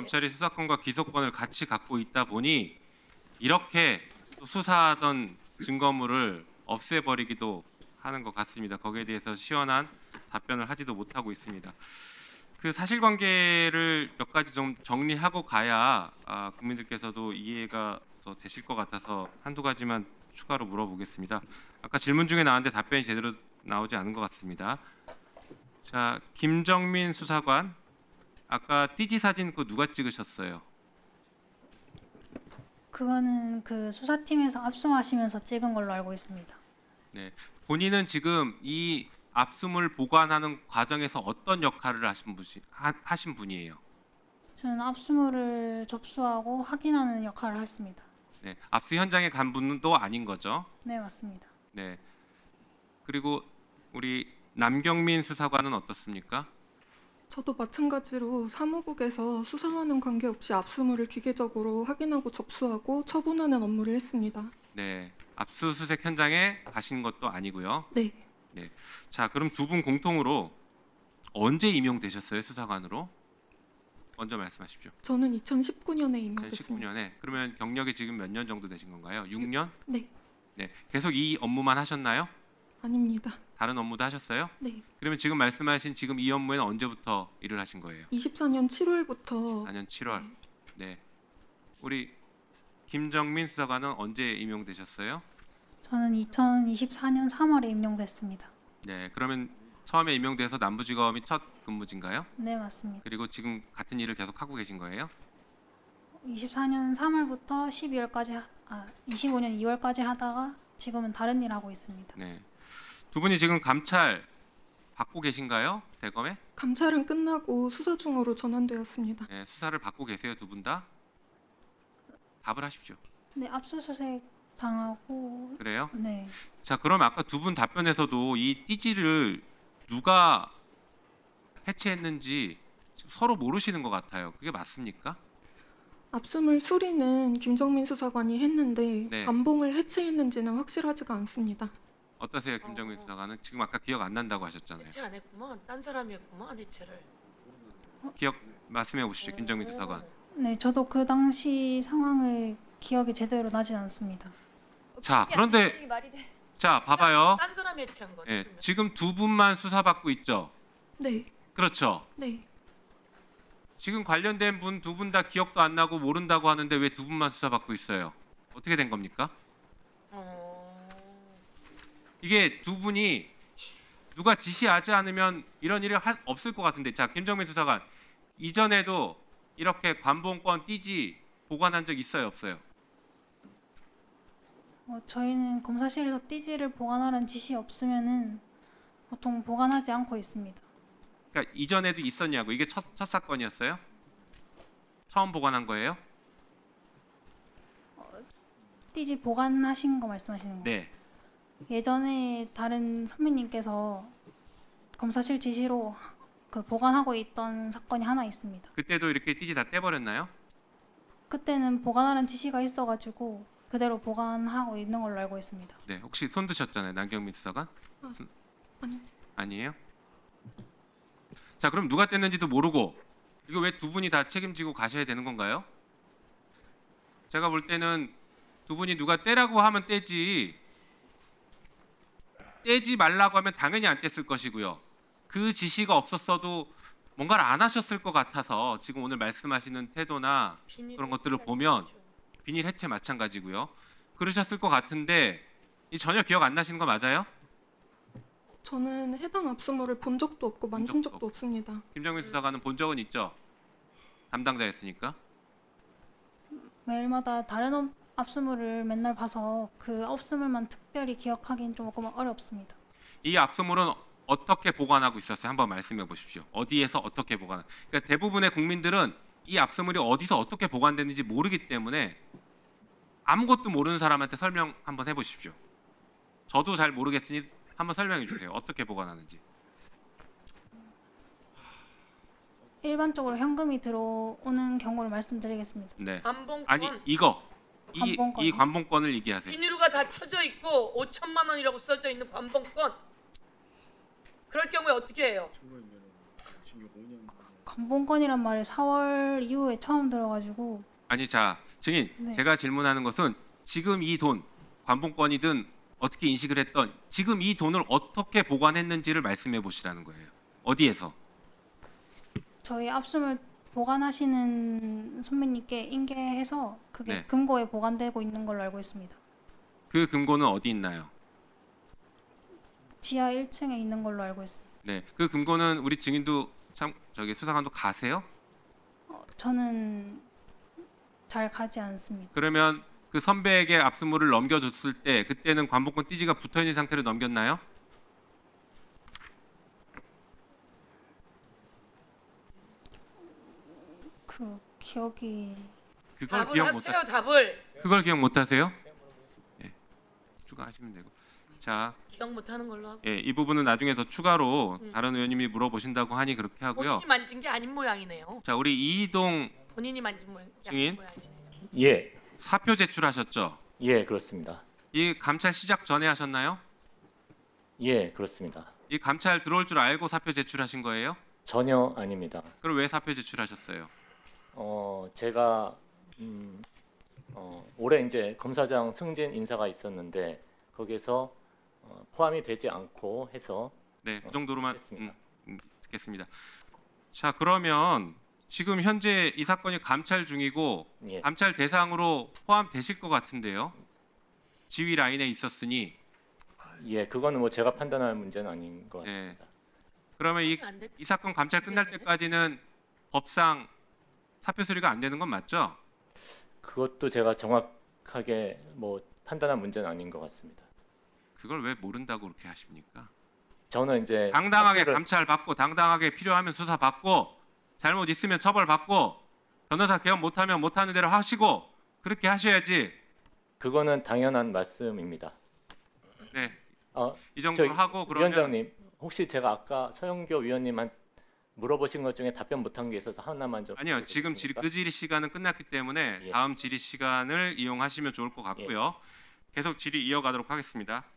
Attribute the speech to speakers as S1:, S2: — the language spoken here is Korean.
S1: 검찰이 수사권과 기소권을 같이 갖고 있다 보니 이렇게 수사하던 증거물을 없애버리기도 하는 것 같습니다. 거기에 대해서 시원한 답변을 하지도 못하고 있습니다. 그 사실관계를 몇 가지 좀 정리하고 가야 국민들께서도 이해가 더 되실 것 같아서 한두 가지만 추가로 물어보겠습니다. 아까 질문 중에 나왔는데 답변이 제대로 나오지 않은 것 같습니다. 자, 김정민 수사관, 아까 띠지 사진 그거 누가 찍으셨어요?
S2: 그거는 그 수사팀에서 압수하시면서 찍은 걸로 알고 있습니다.
S1: 네, 본인은 지금 이 압수물 보관하는 과정에서 어떤 역할을 하신 분이에요?
S2: 저는 압수물을 접수하고 확인하는 역할을 했습니다.
S1: 네, 압수 현장에 간 분도 아닌 거죠?
S2: 네, 맞습니다.
S1: 네. 그리고 우리 남경민 수사관은 어떻습니까?
S3: 저도 마찬가지로 사무국에서 수사와는 관계없이 압수물을 기계적으로 확인하고 접수하고 처분하는 업무를 했습니다.
S1: 네, 압수수색 현장에 가신 것도 아니고요.
S3: 네,
S1: 자, 그럼 두 분 공통으로 언제 임용되셨어요, 수사관으로? 먼저 말씀하십시오.
S3: 저는 2019년에 임명됐습니다.
S1: 2019년에. 그러면 경력이 지금 몇 년 정도 되신 건가요? 6년?
S3: 네,
S1: 네, 계속 이 업무만 하셨나요?
S3: 아닙니다.
S1: 다른 업무도 하셨어요?
S3: 네,
S1: 그러면 지금 말씀하신 지금 이 업무에는 언제부터 일을 하신 거예요?
S3: 24년 7월부터
S1: 4년 7월. 네. 우리 김정민 수사관은 언제 임용되셨어요?
S2: 저는 2024년 3월에 임용됐습니다.
S1: 네. 그러면 처음에 임용돼서 남부지검이 첫 근무진가요?
S2: 네, 맞습니다.
S1: 그리고 지금 같은 일을 계속 하고 계신 거예요?
S2: 24년 3월부터 12월까지 25년 2월까지 하다가 지금은 다른 일 하고 있습니다.
S1: 네. 두 분이 지금 감찰 받고 계신가요? 대검에?
S3: 감찰은 끝나고 수사 중으로 전환되었습니다.
S1: 네, 수사를 받고 계세요, 두 분 다? 답을 하십시오.
S2: 네, 압수수색 당하고
S1: 그래요?
S2: 네.
S1: 자, 그럼 아까 두 분 답변에서도 이 띠지를 누가 해체했는지 서로 모르시는 것 같아요. 그게 맞습니까?
S3: 압수물 수리는 김정민 수사관이 했는데
S1: 네.
S3: 관봉을 해체했는지는 확실하지가 않습니다.
S1: 어떠세요, 김정민 수사관은? 지금 아까 기억 안 난다고 하셨잖아요.
S4: 해체 안 했구만. 딴 사람이 했구만 해체를.
S1: 기억 말씀해 보시죠, 김정민 수사관.
S2: 네, 저도 그 당시 상황을 기억이 제대로 나진 않습니다.
S1: 자, 그런데 자, 봐봐요.
S4: 딴 사람이 해체한 거.
S1: 예, 지금 두 분만 수사받고 있죠.
S3: 네,
S1: 그렇죠.
S3: 네.
S1: 지금 관련된 분 두 분 다 기억도 안 나고 모른다고 하는데 왜 두 분만 수사받고 있어요? 어떻게 된 겁니까? 이게 두 분이 누가 지시하지 않으면 이런 일이 없을 것 같은데, 자, 김정민 수사관 이전에도 이렇게 관봉권 띠지 보관한 적 있어요, 없어요?
S2: 저희는 검사실에서 띠지를 보관하라는 지시 없으면은 보통 보관하지 않고 있습니다.
S1: 그러니까 이전에도 있었냐고. 이게 첫 사건이었어요? 처음 보관한 거예요?
S2: 띠지 보관하신 거 말씀하시는 거예요?
S1: 네.
S2: 예전에 다른 선배님께서 검사실 지시로 그 보관하고 있던 사건이 하나 있습니다.
S1: 그때도 이렇게 띠지 다 떼버렸나요?
S2: 그때는 보관하라는 지시가 있어가지고 그대로 보관하고 있는 걸로 알고 있습니다.
S1: 네. 혹시 손 드셨잖아요, 남경민 수사관?
S3: 아니,
S1: 아니에요? 자, 그럼 누가 뗐는지도 모르고 이거 왜 두 분이 다 책임지고 가셔야 되는 건가요? 제가 볼 때는 두 분이 누가 떼라고 하면 떼지, 떼지 말라고 하면 당연히 안 뗐을 것이고요. 그 지시가 없었어도 뭔가를 안 하셨을 것 같아서 지금 오늘 말씀하시는 태도나 그런 것들을 보면 비닐 해체 마찬가지고요. 그러셨을 것 같은데 이 전혀 기억 안 나시는 거 맞아요?
S3: 저는 해당 압수물을 본 적도 없고 만진 적도 없습니다.
S1: 김정민 수사관은 본 적은 있죠? 담당자였으니까.
S2: 매일마다 다른 압수물을 맨날 봐서 그 압수물만 특별히 기억하기는 조금 어렵습니다.
S1: 이 압수물은 어떻게 보관하고 있었어요? 한번 말씀해 보십시오. 어디에서 어떻게 보관? 그러니까 대부분의 국민들은 이 압수물이 어디서 어떻게 보관됐는지 모르기 때문에 아무것도 모르는 사람한테 설명 한번 해보십시오. 저도 잘 모르겠으니 한번 설명해 주세요. 어떻게 보관하는지.
S2: 일반적으로 현금이 들어오는 경우를 말씀드리겠습니다.
S1: 네.
S4: 관봉권.
S1: 아니 이거
S2: 관봉권이요?
S1: 이 관봉권을 얘기하세요.
S4: 비닐로가 다 쳐져 있고 5천만 원이라고 써져 있는 관봉권. 그럴 경우에 어떻게 해요?
S2: 관본권이란 말을 4월 이후에 처음 들어가지고
S1: 아니 자 증인
S2: 네.
S1: 제가 질문하는 것은 지금 이 돈 관본권이든 어떻게 인식을 했던 지금 이 돈을 어떻게 보관했는지를 말씀해 보시라는 거예요. 어디에서?
S2: 저희 압수물 보관하시는 선배님께 인계해서 그게
S1: 네.
S2: 금고에 보관되고 있는 걸로 알고 있습니다.
S1: 그 금고는 어디 있나요?
S2: 지하 1층에 있는 걸로 알고 있습니다.
S1: 네, 그 금고는 우리 증인도 참 저기 수사관도 가세요?
S2: 저는 잘 가지 않습니다.
S1: 그러면 그 선배에게 압수물을 넘겨줬을 때 그때는 관본권 띠지가 붙어 있는 상태로 넘겼나요?
S2: 그 기억이
S1: 그걸
S4: 답을
S1: 기억 못
S4: 하세요. 답을
S1: 그걸 기억 못 하세요? 예. 추가하시면 되고. 자,
S4: 기억 못하는 걸로 하고
S1: 예, 이 부분은 나중에 더 추가로 다른 의원님이 물어보신다고 하니 그렇게 하고요.
S4: 본인이 만진 게 아닌 모양이네요.
S1: 자, 우리 이희동
S4: 본인이 만진 모양.
S1: 증인?
S4: 모양이네요.
S5: 예,
S1: 사표 제출하셨죠?
S5: 예, 그렇습니다.
S1: 이 감찰 시작 전에 하셨나요?
S5: 예, 그렇습니다.
S1: 이 감찰 들어올 줄 알고 사표 제출하신 거예요?
S5: 전혀 아닙니다.
S1: 그럼 왜 사표 제출하셨어요?
S5: 제가 올해 이제 검사장 승진 인사가 있었는데 거기서 포함이 되지 않고 해서
S1: 네, 그 정도로만
S5: 했습니다.
S1: 듣겠습니다. 자, 그러면 지금 현재 이 사건이 감찰 중이고
S5: 예,
S1: 감찰 대상으로 포함되실 것 같은데요. 지휘 라인에 있었으니
S5: 예, 그거는 뭐 제가 판단할 문제는 아닌 것
S1: 예.
S5: 같습니다.
S1: 그러면
S4: 안 됐-
S1: 이 사건 감찰 끝날 때까지는 법상 사표 수리가 안 되는 건 맞죠?
S5: 그것도 제가 정확하게 뭐 판단할 문제는 아닌 것 같습니다.
S1: 그걸 왜 모른다고 그렇게 하십니까?
S5: 저는 이제
S1: 당당하게
S5: 사표를-
S1: 감찰 받고 당당하게 필요하면 수사 받고 잘못 있으면 처벌 받고 변호사 개업 못하면 못하는 대로 하시고 그렇게 하셔야지.
S5: 그거는 당연한 말씀입니다.
S1: 네,
S5: 어,
S1: 이 정도로
S5: 저기
S1: 하고 그러면
S5: 위원장님, 혹시 제가 아까 서영교 위원님한 물어보신 것 중에 답변 못한 게 있어서 하나만 좀
S1: 아니요, 지금
S5: 드리겠습니까?
S1: 그 질의 시간은 끝났기 때문에
S5: 예.
S1: 다음 질의 시간을 이용하시면 좋을 것 같고요. 계속 질의 이어가도록 하겠습니다.